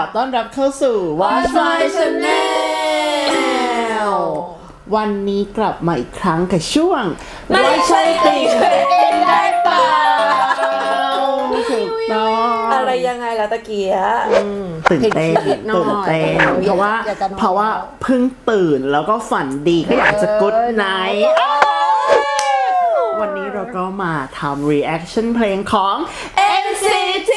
อต้อนรับเข้าสู่ Watch My Channel วันนี้กลับมาอีกครั้งกับช่วงไม่ใช่ติ่งเองได้เปล่าถูกต้องอะไรยังไงล่ะตะเกียตื่นเต้นเพราะว่าเพิ่งตื่นแล้วก็ฝันดีก็อยากจะกุ๊ดไนท์วันนี้เราก็มาทำ reaction เพลงของ NCT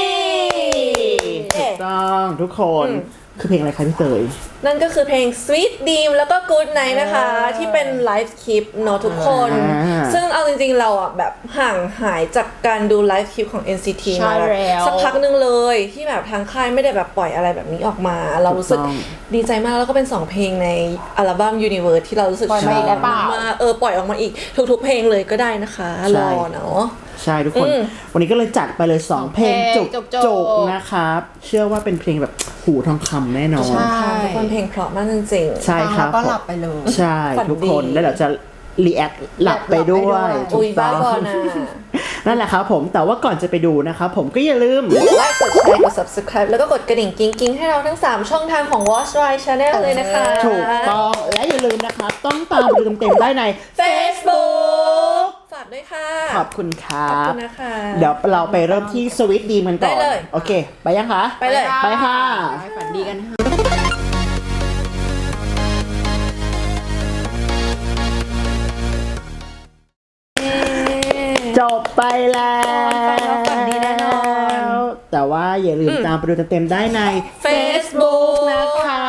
ถูกต้องทุกคนคือเพลงอะไรคะพี่เตยนั่นก็คือเพลง Sweet Dream แล้วก็ Good Night นะคะที่เป็นไลฟ์คลิปเนาะทุกคนซึ่งเอาจริงๆเราอ่ะแบบห่างหายจากการดูไลฟ์คลิปของ NCT มาสักพักนึงเลยที่แบบทางค่ายไม่ได้แบบปล่อยอะไรแบบนี้ออกมาเรารู้สึกดีใจมากแล้วก็เป็น2เพลงในอัลบั้ม Universe ที่เรารู้สึกชอบมากปล่อยออกมาอีกทุกๆเพลงเลยก็ได้นะคะรอเนาะใช่ทุกคนวันนี้ก็เลยจัดไปเลย2เพลงจุกๆนะครับเชื่อว่าเป็นเพลงแบบหูทองคำแน่นอนใช่ทุกคนเพลงเพราะมากจริงๆใช่ครับก็หลับไปเลยใช่ทุกคนแล้วเดี๋ยวจะรีแอคหลับไปด้วยอุ้ยบ้าบอนะนั่นแหละครับผมแต่ว่าก่อนจะไปดูนะครับผมก็อย่าลืมไลค์กดแชร์กด subscribe แล้วก็กดกระดิ่งกิ๊งๆให้เราทั้ง3ช่องทางของ Watch My Channel เลยนะคะถูกต้องและอย่าลืมนะครับต้องตามดูเต็มๆได้ใน Facebook ฝากด้วยค่ะขอบคุณครับขอบคุณนะคะเดี๋ยวเราไปเริ่มที่สวิตดีมันก่อนได้เลยโอเคไปยังคะไปเลยไปค่ะฝันดีกันค่ะจบไปแล้วฝันดีแน่นอนแต่ว่าอย่าลืมตามไปดูเต็มๆได้ใน Facebook นะคะ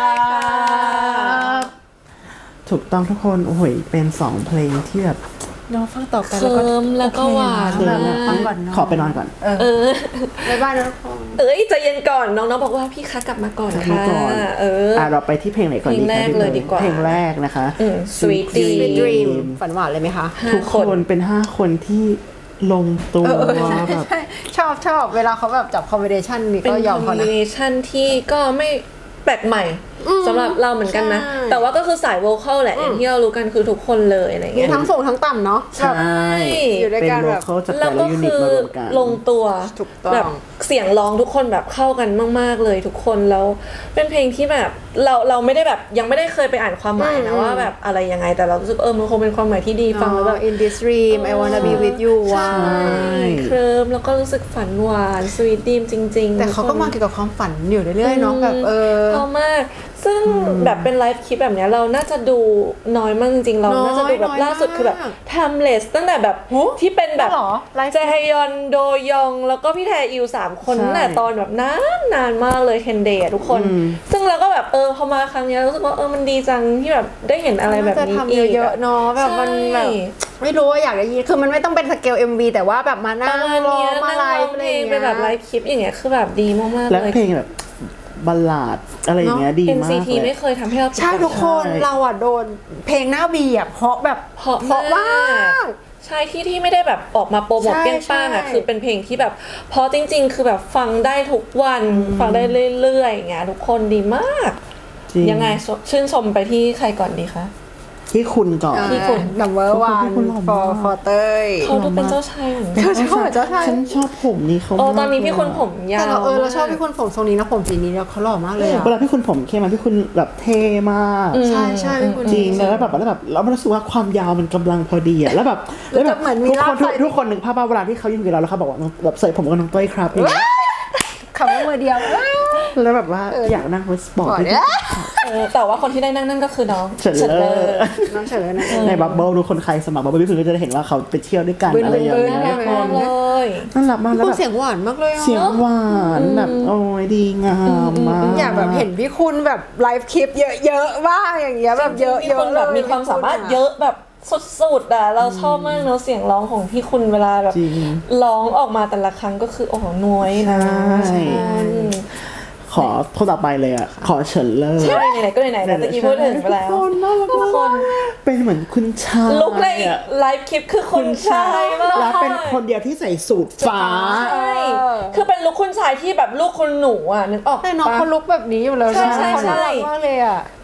ถูกต้องทุกคนโอ้โหเป็น2เพลงที่แบบน้องฟังต่อกันแล้วก็หวานฟังก่อนขอไปนอนก่อนบ๊ายบายนะทุกคนใจเย็นก่อนน้องๆบอกว่าพี่คะกลับมาก่อนค่ะเราไปที่เพลงไหนก่อนดีคะเพลงแรกนะคะ Sweet Dream ฝันหวานเลยไหมคะทุกคนเป็น5คนที่ลงตัวแบบชอบเวลาเขาแบบจับคอมบิเนชันนี่ก็ยอมเขานะคอมบิเนชันที่ก็ไม่แปลกใหม่สำหรับเราเหมือนกันนะแต่ว่าก็คือสายโวคอลแหละอย่างที่เรารู้กันคือทุกคนเลยอะไรเงี้ยทั้งสูงทั้งต่ำเนาะใช่อยู่ด้วยกันแบบแล้วก็คือลงตัวแบบเสียงร้องทุกคนแบบเข้ากันมากๆเลยทุกคนแล้วเป็นเพลงที่แบบเราไม่ได้แบบยังไม่ได้เคยไปอ่านความหมายนะว่าแบบอะไรยังไงแต่เรารู้สึกมันคงเป็นความหมายที่ดีฟังแล้วแบบ In this dream I wanna be with you ใช่เคลิ้มแล้วก็รู้สึกฝันหวาน Sweet Dream จริงๆแต่เขาก็มาเกี่ยวกับความฝันอยู่เรื่อยๆเนาะแบบชอบมากซึ่งแบบเป็นไลฟ์คลิปแบบนี้เราน่าจะดูน้อยมากจริงๆเราน่าจะดูแบบล่าสุดคือแบบ Timeless ตั้งแต่แบบที่เป็นแบบเจฮยอนโดยองแล้วก็พี่แทอิว3คนตั้งแต่ตอนแบบนานมากเลยเทนเดย์ทุกคนซึ่งเราก็แบบพอมาครั้งนี้รู้สึกว่ามันดีจังที่แบบได้เห็นอะไรแบบนี้อีกเยอะๆเนาะแบบมันแบบไม่รู้ว่าอยากได้ยินคือมันไม่ต้องเป็นสเกล MV แต่ว่าแบบมานั่งร้องมาไลฟ์เพลงเป็นแบบไลฟ์คลิปอย่างเงี้ยคือแบบดีมากๆเลยและเพลงแบบบัลลาดอะไรอย่างเงี้ยดีมาก NCT ไม่เคยทำให้เราใช่ทุกคนเราอ่ะโดนเพลงหน้าบีอ่ะเพราะมากใช่ที่ไม่ได้แบบออกมาโปรโมทเปี้ยงป้างอ่ะคือเป็นเพลงที่แบบเพราะจริงๆคือแบบฟังได้ทุกวันฟังได้เรื่อยๆอย่างเงี้ยทุกคนดีมากยังไงชื่นชมไปที่ใครก่อนดีคะที่คุณก่อนที่คุณ number one for เต้ยเขาดูเป็นเจ้าชายเหมือนกันฉันชอบผมนี่เขาตอนนี้พี่คุณผมยาวเราชอบพี่คุณผมทรงนี้นะผมสีนี้แล้วเขาหล่อมากเลยเวลาพี่คุณผมเข้มมาพี่คุณแบบเท่มากใช่พี่คุณจริงแล้วแบบเรารู้สึกว่าความยาวมันกำลังพอดีอะแล้วแบบเหมือนมีทุกคนนึกภาพเวลาที่เขาอยู่กับเราแล้วเขาบอกว่าแบบใส่ผมกับน้องเต้ยครับคำว่ามือเดียวแล้วแบบว่าอยากนั่งรถสปอร์ตแต่ว่าคนที่ได้นั่นก็คือน้องเฉินเลยน้องเฉินเลยในบับเบิ้ลดูคนใครสมัครบับเบิ้ลพี่คุณก็จะเห็นว่าเขาไปเที่ยวด้วยกันอะไรอย่างเงี้ยเลยน่ารักมากแล้วแบบเสียงหวานมากเลยเสียงหวานแบบโอ้ยดีงามมากอยากแบบเห็นพี่คุณแบบไลฟ์คลิปเยอะๆบ้างอย่างเงี้ยแบบเยอะๆแบบมีความสามารถเยอะแบบสุดๆอ่ะเราชอบมากเนาะเสียงร้องของพี่คุณเวลาแบบร้องออกมาแต่ละครั้งก็คือโอ้โหน้อยนะใช่ขอคนต่อไปเลยอ่ะขอเฉินเล่ใช่ไหนๆก็ไหนๆแล้วตะกี้พูดถึงไปแล้วทุกคนเป็นเหมือนคุณชายลุคในไลฟ์คลิปคือคุณชายมากแล้วเป็นคนเดียวที่ใส่สูทฟ้าใช่คือเป็นลุคคุณชายที่แบบลูกคุณหนูอ่ะนึกออกแต่น้องเขาลุคแบบนี้อยู่แล้วใช่มากเลยอ่ะ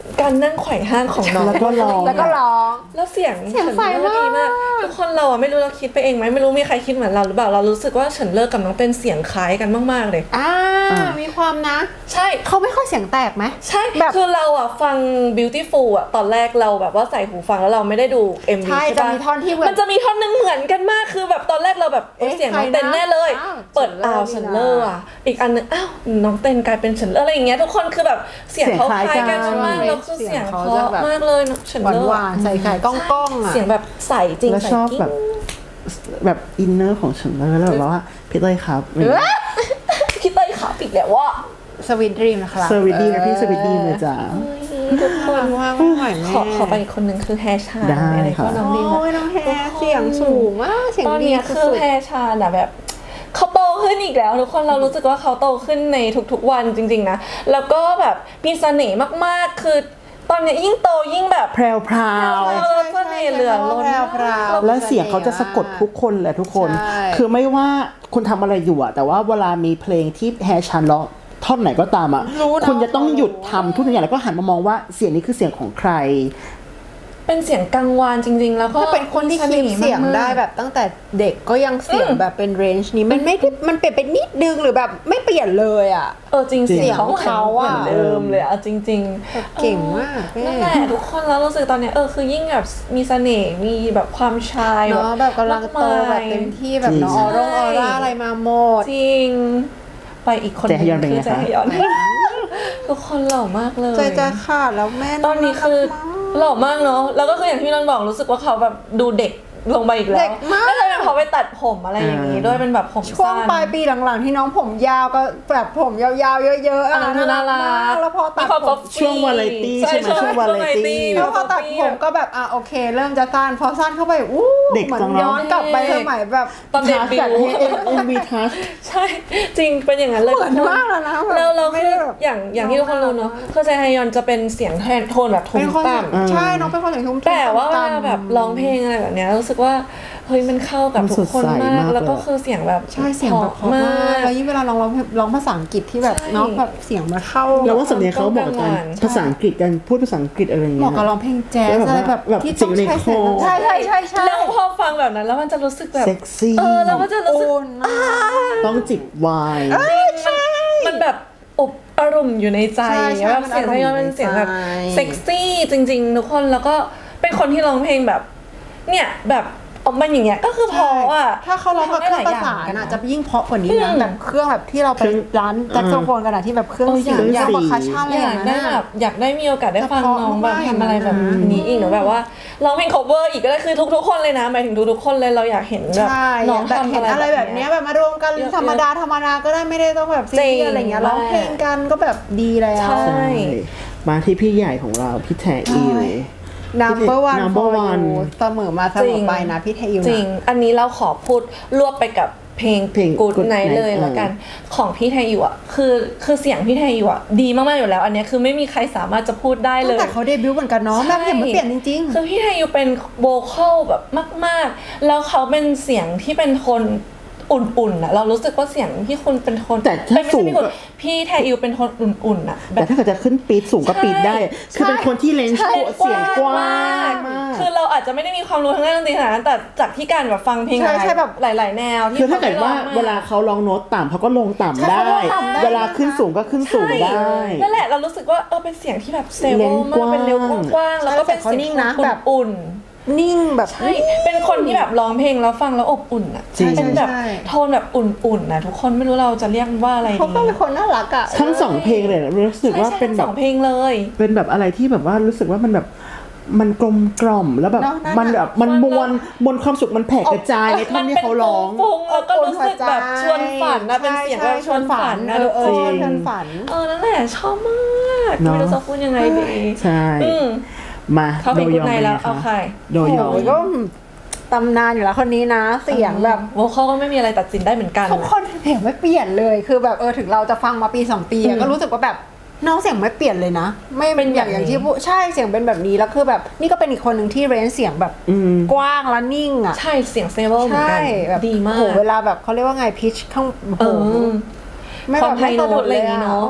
การนั่งไขว่ห้างของน้องแล้วก็ร้องแล้วก็ร้องแล้วเสียงเสียงใสมากดีมากทุกคนเราอะไม่รู้เราคิดไปเองไหมไม่รู้มีใครคิดเหมือนเราหรือเปล่าเรารู้สึกว่าเฉินเลิกกับน้องเต้นเสียงคล้ายกันมากๆเลยมีความนะใช่เขาไม่ค่อยเสียงแตกไหมใช่แบบคือเราอะฟัง Beautiful อะตอนแรกเราแบบว่าใส่หูฟังแล้วเราไม่ได้ดู MV ใช่ใช่ปะจะมีท่อนที่เหมือนมันจะมีท่อนนึงเหมือนกันมากคือแบบตอนแรกเราแบบเอ๊ะเอ๊ะเสียงน้องใครนะเต้นแน่เลยอ้าวเปิดเฉินเลอร์เฉินเลอร์อะอีกอันนึงอ้าวน้องเต้นกลายเป็นเฉินเลอร์อะไรอย่างเงี้ยทุกคนคือแบบเสียงเขาคล้ายกันมากแล้วคือเสียงเพราะมากเลยเฉินหวาเลนอร์หวานๆใส่ไข่ก้องๆอ่ะเสียงแบบใสจริงแล้วใสชอบกิ้งแบบอินเนอร์ของฉันแล้วแบบว่าพี่เต้ยครับพี่เต้ยขาปิดแล้วว่าสวีทดรีมนะครับสวิตดีนะพี่สวิตดีเลยจ้าทุกคนว่าไม่ไหวแม่ขอไปอีกคนนึงคือแฮชาได้อะไรค่ะก็น้องดีโอ้ยน้องแฮเสียงสูงมากเสียงตอนดีเนี้ยสุคือดแฮชาอะแบบเขาโตขึ้นอีกแล้วทุกคนเรารู้สึกว่าเขาโตขึ้นในทุกๆวันจริงๆนะแล้วก็แบบมีเสน่ห์มากๆคือตอนเนี้ยยิ่งโตยิ่งแบบแพรวพราวเออเสน่ห์เหลือล้นแพรวๆและเสียงเขาจะสะกดทุกคนแหละทุกคนใช่คือไม่ว่าคุณทำอะไรอยู่อะแต่ว่าเวลามีเพลงที่แฮชันร้องท่อนไหนก็ตามอะรู้นะคุณจะต้องหยุดทำทุกอย่างแล้วก็หันมามองว่าเสียงนี้คือเสียงของใครเป็นเสียงกังวานจริงๆ แล้วก็ถ้าเป็นคนที่คีปเสียงได้แบบตั้งแต่เด็กก็ยังเสียงแบบเป็นเรนจ์นี้มันไม่ได้มันเปลี่ยนไปนิดนึงหรือแบบไม่เปลี่ยนเลยอ่ะจริงจริงเสียงของเขาอะเหมือนเดิมเลยอะจริงๆเก่งมากแม่นั่นแหละทุกคนแล้วรู้สึกตอนเนี้ยคือยิ่งแบบมีเสน่ห์มีแบบความชายเนาะแบบกำลังโตแบบเต็มที่แบบเนาะออร่าอะไรมาหมดจริง ไปอีกคนแจฮยอนเป็นไงคือแจคะฮยอน ทุกคนหล่อมากเลยใจจะขาดแล้วแม่ตอนนี้คือหล่อมากเนาะแล้วก็คืออย่างที่นนท์บอกรู้สึกว่าเขาแบบดูเด็กลงไปอีกแล้วเด็กมากแล้วจะเป็นเขาไปตัดผมอะไรอย่างนี้ด้วยเป็นแบบผมช่วงสั้นปลายปีหลังๆที่น้องผมยาวก็แบบผมยาวๆเยอะๆอันนั้นคือน่ารักมากแล้วพอตัดมีความผป๊อมปช่วงวาไรตี้ใช่ใช่ไหมช่วงวาไรตี้แล้วพอตัดผมก็แบบโอเค เริ่มจะสั้นพอสั้นเข้าไปอู้เด็กเหมือจันงเนอะย้อนกลับไปสมัยแบบตอนเด็กบิจากว MV Touch ใช่จริงเป็นอย่างนั้นเลยเหมือนทุกคนมากแล้วนะแบบแล้วเราไม่คือได้แบบอย่างที่ทุกคนรู้เนาะคือแจฮยอนจะเป็นเสียงโทนแบบทุ้เป็นมคนต่ำใช่น้องเป็นคนเสียงทุ้มๆแต่ว่าเวลาต่ำๆแบบร้องเพลงอะไรแบบเนี้ยรู้สึกว่าเฮ้ยมันเข้ากับมันทุกคนสดใสมามาก กแล้วก็เลยคือเสียงแบบใช่เสียงแบบเพราะมากแล้วยิ่งเวลาร้องภาษาอังกฤษที่แบบใช่น้องแบบเสียงมาเข้าแล้วว่าสำเนียงเขาบอกกันใช่ภาษาอังกฤษกันพูดภาษาอังกฤษอะไรอย่างเหเงี้มาะยกับร้องเพลงแจ๊สแล้วแบบอะไรแบบแบบที่ต้องใช้เสียงในคอใช่ใช่ใช่ใช่แล้วพอฟังแบบนั้นแล้วมันจะรู้สึกแบบเซ็กซี่แล้วมันจะรู้สึกโอนมากต้องจิบไวน์มันแบบอบอารมณ์อยู่ในใจใช่ใช่แบบเสียงมันแจอารมณ์ฮยอนเป็นเสียงแบบในใจเซ็กซี่จริงๆทุกคนแล้วก็เป็นคนที่ร้องเพลงแบบเนี่ยแบบออกมาอย่างเงี้ยก็คือพออ่ะถ้าเขาร้องแบบเครื่องประสานอะจะยิ่งเพราะกว่านี้นะแบบเครื่องแบบที่เราไปร้านแจ็คโซโฟนกันอะที่แบบเครื่องเสียงยาวกว่าคาชาอะไรออยากย่างได้นั้นแบอะบอยากได้มีโอกาสได้ฟังแต่เพราะน้องแบบมากทำอะไรแบบนี้อีกหนูแบบว่าร้องเพลง cover อีกก็ได้คือทุกๆคนเลยนะหมายถึงทุกๆคนเลยเราอยากเห็นแบบใช่น้องแบบทำเห็นอะไรแบบเนี้ยแบบมารวมกันเยอะๆธรรมดาก็ได้ไม่ได้ต้องแบบซีจริเรีงยสอะไรเงี้ยร้องเพลงกันก็แบบดีแล้วใช่ใช่ มาที่พี่ใหญ่ของเราพี่แทอีเลย number one Number for one you เสมอมาเสมอไปนะพี่เทยูจริงนะอันนี้เราขอพูดรวบไปกับเพลง Good Good Night Night เลยแล้วกัน ของพี่ไทยอยู่อ่ะคือเสียงพี่ไทยอยู่อ่ะดีมากๆอยู่แล้ว อันเนี้ยคือไม่มีใครสามารถจะพูดได้เลตั้งยแต่เขาเดบิวต์เหมือนกันเนาะแบบเห็นมันเปลี่ยนจริงคือพี่ไทยอยู่เป็นโวคอลแบบมากๆ แล้วเขาเป็นเสียงที่เป็นโทนอุ่นๆอ่ะเรารู้สึกว่าเสียงพี่คุณเป็นโทนแต่ถ้าไม่ใช่สูงพี่คุณก็พี่ไทยอยู่เป็นโทนอุ่นๆอ่ะแบแต่บถ้าเกิดจะขึ้นปีดสูงก็ปีดได้ คือเป็นคนที่เลนส์ใช่เสียงกว้างมากคือเราอาจจะไม่ได้มีความรู้ทางด้านดนตรีขนาดนั้นแต่จากที่การแบบฟังเพลงใช่ใช่แบบหลายๆแนวที่คือถ้าเกิดว่าขไม่ร้องมเวลาเขาร้องโน้ตต่ำเขาก็ลงต่ำใช่ได้เขาลงต่ำได้เวลาขึ้นสูงก็ขึ้นสูงได้นั่นแหละเรารู้สึกว่าเป็นเสียงที่แบบเซเวเลลนส์มากเป็นเร็วกว้างกว้างๆแล้วก็เป็นใช่แต่เขาเสียงนิ่งนะแบบอุ่นนิ่งแบบๆใช่เป็นคนที่แบบร้องเพลงแล้วฟังแล้วอบอุ่นอ่ะจริงเป็นแบบใช่โทนแบบอุ่นๆนะทุกคนไม่รู้เราจะเรียกมันว่าอะไรดีเขาก็เป็นคนน่ารักอ่ะทั้งสองเพลงเลยนะรู้สึกว่าใช่เป็นทั้งแบสบองเพลงเลยเป็นแบบอะไรที่แบบว่ารู้สึกว่ามันแบบมันกลมกล่อมแล้วแบบเนอะนั่นน่ะมันแบบมันมวลความสุขมันแผ่กระจายในท่อนที่เขาร้องฟุ้งๆแล้วก็รู้สึกแบบชวนฝันนะเป็นเสียงแบบชวนฝันนะทุกคนจริงชวนฝันนั่นแหละชอบมากเนอะไม่รู้จะพูดยังไงดีใช่อืมมาเข้าเพลงโดกุยดองไนเป็นแล้ไงวเอาใครคะโดยองโอ้ยก็ตำนานอยู่แล้วคนนี้นะ เสียงแบบโวคอลก็ไม่มีอะไรตัดสินได้เหมือนกันทุกคนเสียงไม่เปลี่ยนเลยคือแบบถึงเราจะฟังมาปี2ปีอะก็รู้สึกว่าแบบน้องเสียงไม่เปลี่ยนเลยนะ ไม่เป็นอย่างที่พูดใช่เสียงเป็นแบบนี้แล้วคือแบบนี่ก็เป็นอีกคนหนึ่งที่เรนจ์เสียงแบบอืมกว้างและนิ่งอ่ะใช่เสียงเซเวลเหมือนใช่กันแบบดีมากโหเวลาแบบเขาเรียกว่าไงพิชข้างโอ้โหไม่ความแบบไฮไม่โน้สะดุตดอะไรเลอย ย่างงี้อะเนาะ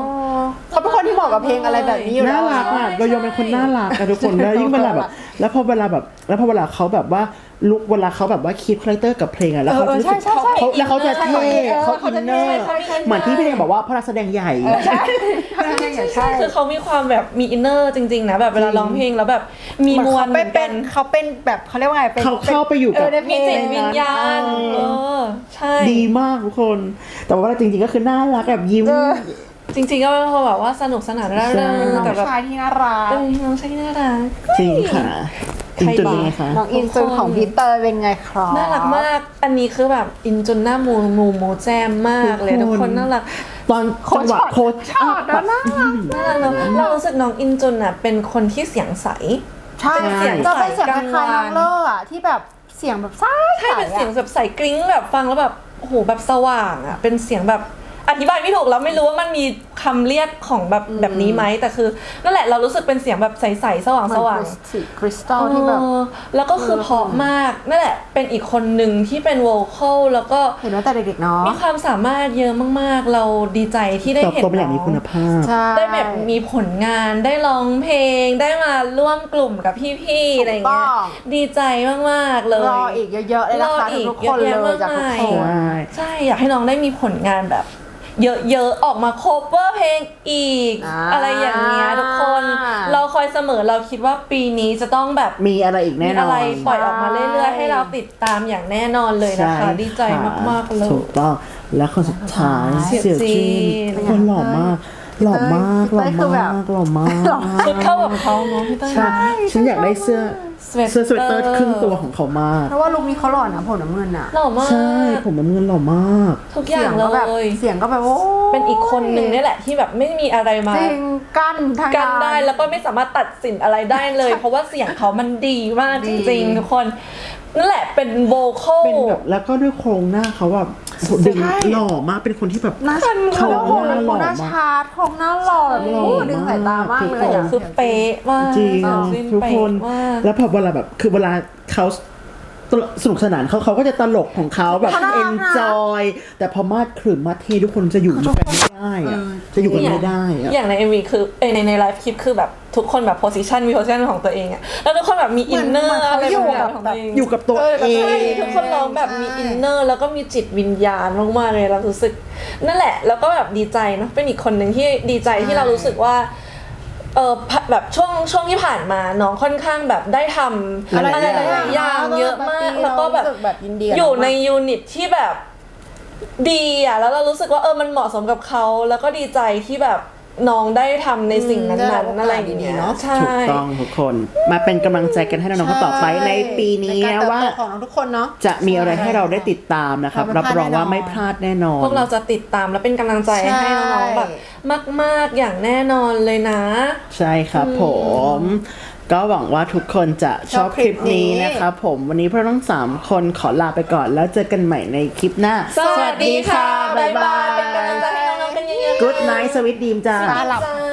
เขาเป็นคนที่เหมาะกับเพลงอะไรแบบนี้อยู่แล้วน่ารักอ่ะเรายอมเป็นคนน่ารักอะทุกคนแล้วยิ่งเวลาแบบแล้วพอเวลาเขาแบบว่าลุกเวลาเขาแบบว่าคีปคาแรคเตอร์กับเพลงอะแล้วเขาจะรู้สึกเขาแล้วเขาจะเท่เขาอินเนอร์เหมือนที่พี่เองบอกว่าเพราะนักแสดงใหญ่ใช่คือเขามีความแบบมีอินเนอร์จริงๆนะแบบเวลาร้องเพลงแล้วแบบมีมวลเหมือนกันเขาเป็นแบบเขาเรียกว่าไงเขาเข้าไปอยู่กับมีจิตวิญญาณใช่ดีมากทุกคน แต่ว่าจริงๆก็คือน่ารักแบบยิ้มจริงๆก็เป็นคนแบบว่าสนุกสนานร่าเริงน้องแต่แบบชายที่น่ารักน้องชายที่น่ารักจริงค่ะจริงจุดยังไงคะน้องอินซูของพีเตอร์เป็นไงครับน่ารักมากอันนี้คือแบบอินจนหน้ามูแจมมากเลยทุกคนน่ารักตอนจังหวะโคชชอบแล้วน่ารักน่ารักเนอะเรารู้สึกน้องอินจนอ่ะเป็นคนที่เสียงใสใช่เป็นเสียงก็เป็นเสียงใสคล้ายๆน้องเลอร์อะที่แบบเสียงแบบใสใช่เป็นเสียงแบบใสกริ้งแบบฟังแล้วแบบโอ้โหแบบสว่างอ่ะเป็นเสียงแบบอธิบายไม่ถูกแล้วไม่รู้ว่ามันมีคำเรียกของแบบนี้ไหมแต่คือนั่นแหละเรารู้สึกเป็นเสียงแบบใสๆสว่างสว่างคริสตัลที่แบบแล้วก็คือเพราะมากนั่นแหละเป็นอีกคนหนึ่งที่เป็นโวคอลแล้วก็เห็นว่าแต่เด็กๆเนาะมีความสามารถเยอะมากๆ เราดีใจที่ได้เติบเห็นโตเป็นอย่างมีคุณภาพใช่ได้แบบมีผลงานได้ร้องเพลงได้มาร่วมกลุ่มกับพี่ๆอะไรอย่างเงี้ยดีใจมากๆเลยรออีกเยอะๆเลยนะคะรออีกทุกคนเลยเยอะแยะจากทุกมากคมายนใช่อยากให้น้องได้มีผลงานแบบ เยอะๆออกมาโคเวอร์เพลงอีก อะไรอย่างเงี้ยทุกคนเราคอยเสมอเราคิดว่าปีนี้จะต้องแบบมีอะไรอีกแน่มีนอนอะไรปล่อยออกมาเรื่อยๆ ให้เราติดตามอย่างแน่นอนเลยนะคะ ดีใจมากๆเลยถูกต้องและคนสุดท้ายเสี่ยวจีนคนหล่อมากหล่อมากหล่อคือแบบมากหล่อมากชุดเข้ากับเขาเนาะพี่เต้ยใช่ฉันอยากได้เสื้อสเวตเตอร์เสื้อสเวตเตอร์ครึ่งตัวของเขามากเพราะว่าลุคนี้เขาหล่อนะผมน้ำเงินอะหล่อมากใช่ผมน้ำเงินหล่อมากทุกอย่างก็แบบเลยเสียงก็แบบโอ้เป็นอีกคนหนึ่งนี่แหละที่แบบไม่มีอะไรมาจริงกั้นทางกันได้แล้วก็ไม่สามารถตัดสินอะไรได้เลย เพราะว่าเสียงเขามันดีมากจริงๆทุกคนนั่นแหละเป็นโวคอลเป็นแบบแล้วก็ด้วยโครงหน้าเขาแบบดึงหล่อมากเป็นคนที่แบบหน้าเขาโอ้โหหน้าหล่อหน้ามากชาร์ตของหน้าหล่อแบบหล่อโอ้ดึงสายตามากเลยอะคือเป๊ะมากจริงสิ้นทุกเป๊ะคนมากแล้วพอเวลาแบบคือเวลาเขาสนุกสนานเขาก็จะตลกของเขาแบบเขาน่ารักนะ enjoy แต่พอมาดขรึมมาเททุกคนจะอยู่กันไม่ได้อะจะอยู่กันไม่ได้อะอย่างใน MV คือในไลฟ์คลิปคือแบบทุกคนแบบมีโพสิชันของตัวเองอะแล้วทุกคนแบบมีอินเนอร์อะไรบางอย่างของตัวเองอยู่กับตัวเองใช่ทุกคนร้องแบบมีอินเนอร์แล้วก็มีจิตวิญญาณมากๆเลยเรารู้สึกนั่นแหละแล้วก็แบบดีใจเนอะเป็นอีกคนหนึ่งที่ดีใจที่เรารู้สึกว่าแบบช่วงที่ผ่านมาน้องค่อนข้างแบบได้ทำอะไรหลายๆอย่างเยอะมากแล้วก็แบบยินดีอยู่ในยูนิตที่แบบดีอ่ะแล้วเรารู้สึกว่ามันเหมาะสมกับเขาแล้วก็ดีใจที่แบบน้องได้ทำในสิ่งนั้นๆอะไรอย่างเงี้ยใช่ถูกต้องทุกคนมาเป็นกำลังใจกันให้น้องๆคนต่อไปในปีนี้นะว่าของทุกคนเนาะจะมีอะไรให้เราได้ติดตามนะครับรับรองว่าไม่พลาดแน่นอนพวกเราจะติดตามและเป็นกำลังใจให้น้องๆแบบมากๆอย่างแน่นอนเลยนะใช่ครับผม ก็หวังว่าทุกคนจะชอบคลิปนี้นะครับผมวันนี้พวกเราทั้ง3คนขอลาไปก่อนแล้วเจอกันใหม่ในคลิปหน้าสวัสดีค่ะบ๊ายบายเป็นกำลังใจให้น้องๆกันเยอะๆ Good night สวิตดีมจ้าตาหลับจ้า